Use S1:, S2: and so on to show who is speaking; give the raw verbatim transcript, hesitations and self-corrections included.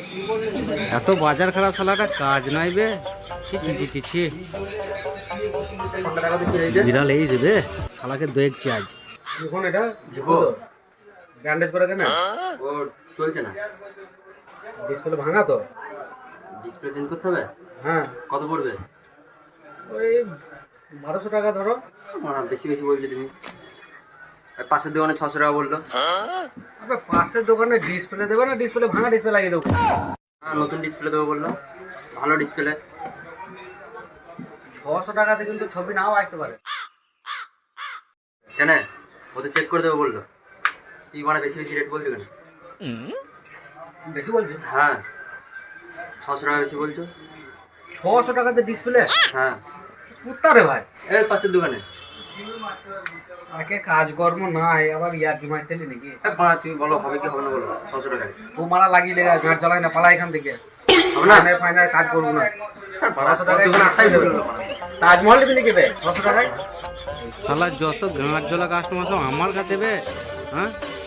S1: এত বাজার খারাপ শালাটা কাজ নাই বে। ছি ছি ছি ছি ছি বিড়াল এই যাবে শালাকে দেখছি আজ।
S2: এখন এটা ব্যান্ডেজ করে কেন
S3: ও চলছে না,
S2: ডিসপ্লে ভাঙা তো।
S3: ডিসপ্লে চেঞ্জ করতে হবে।
S2: হ্যাঁ
S3: কত পড়বে?
S2: ওই বারোশো টাকা ধরো।
S3: আহ, বেশি বেশি বলছো তুমি। আর পাশের দোকানে ছশো টাকা বললো।
S2: আবে পাশের দোকানে ডিসপ্লে দেবে না, ডিসপ্লে ভাঙা ডিসপ্লে লাগিয়ে দেবো।
S3: হ্যাঁ নতুন ডিসপ্লে দেবো বললো, ভালো ডিসপ্লে।
S2: ছশো টাকাতে কিন্তু ছবি নাও আসতে পারে।
S3: কেন ওদের চেক করে দেবো বললো, তুই মানে বেশি বেশি রেট বলছো কেন?
S2: বেশি বলছি?
S3: হ্যাঁ ছশো টাকা বেশি বলছো।
S2: ছশো টাকাতে ডিসপ্লে?
S3: হ্যাঁ
S2: কুত্তা রে ভাই।
S3: এই পাশের দোকানে।
S2: আগে কাজকর্ম নাই, আবার ইয়ার জমাই তেলি নাকি?
S3: এ বাড়া তুমি বলো হবে কি হবে না বলো, ছশো টাকায়
S2: তো মারা লাগিয়ে লেগে গাছ জ্বালাই না, পালা এখান থেকে।
S3: হবে না?
S2: ফাইনাল ফাইনাল কাজ করবো না। ছশো টাকায়
S3: দোকানে আসাই বললো না।
S2: তাজমহল নিবি নাকি বে ছশো টাকায়?
S1: শালা যত গাঁট জ্বলা কাস্টমার সব আমার কাছে বে। হ্যাঁ